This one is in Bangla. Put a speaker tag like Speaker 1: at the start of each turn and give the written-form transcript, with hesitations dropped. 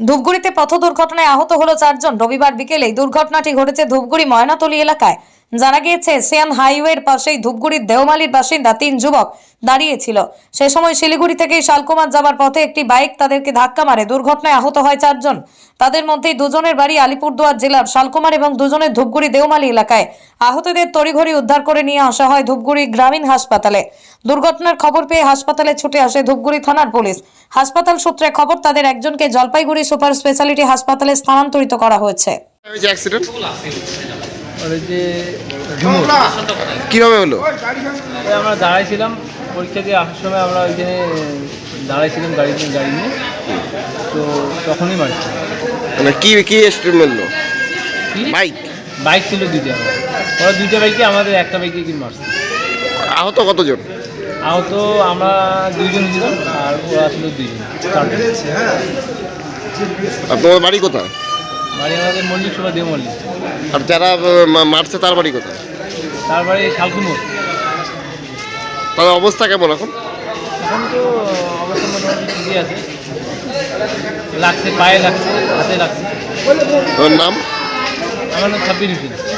Speaker 1: ধূপগুড়িতে পথ দুর্ঘটনায় আহত হলো 4 জন। রবিবার বিকেলে দুর্ঘটনাটি ঘটেছে ধূপগুড়ি ময়নাতলী এলাকায়। জানা গিয়েছে এশিয়ান হাইওয়ের পাশেই ধূপগুড়ির দেওমালির বাসিন্দা 3 যুবক দাঁড়িয়েছিল। সে সময় শিলিগুড়ি থেকে শালকুমার যাবার পথে একটি বাইক তাদেরকে ধাক্কা মারে। দুর্ঘটনায় আহত হয় 4 জন। তাদের মধ্যে দুজনের বাড়ি আলিপুরদুয়ার জেলার শালকুমার এবং দুজনের ধূপগুড়ি দেওমালি এলাকায়। আহতদের তড়িঘড়ি উদ্ধার করে নিয়ে আসা হয় ধূপগুড়ি গ্রামীণ হাসপাতালে। দুর্ঘটনার খবর পেয়ে হাসপাতালে ছুটে আসে ধূপগুড়ি থানার পুলিশ। হাসপাতাল সূত্রে খবর তাদের একজনকে জলপাইগুড়ি সুপার স্পেশালিটি হাসপাতালে স্থানান্তরিত করা হয়েছে।
Speaker 2: কিভাবে হলো?
Speaker 3: আমরা দাঁড়াইছিলাম পরীক্ষা দিয়ে আসার সময়, আমরা ওইখানে দাঁড়াইছিলাম গাড়ি নিয়ে, তো তখনই মারছি।
Speaker 2: মানে কি কি স্ট্রিম মারলো?
Speaker 3: বাইক ছিল দুইটা, ওরা দুইটা বাইকে, আমাদের একটা বাইকে কি মারছে।
Speaker 2: আহত কতজন?
Speaker 3: আহত আমরা 2 জন ছিলাম, আর ওরা ছিল 2 জন, 4 জন।
Speaker 2: আর তোমার বাড়ি কোথায়?
Speaker 3: বাড়ি আমাদের মল্লিক সভা দেও মল্লিক।
Speaker 2: আর যারা মারছে তার বাড়ি কোথায়?
Speaker 3: তার বাড়ি শালকুমোর।
Speaker 2: তাদের অবস্থা কেমন এখন?
Speaker 3: এখন তো অবস্থা মোটামুটি ঠিকই আছে, লাগছে, পায়ে লাগছে, হাতে লাগছে।
Speaker 2: তোর নাম?
Speaker 3: আমার নাম সাব্বির হোসেন।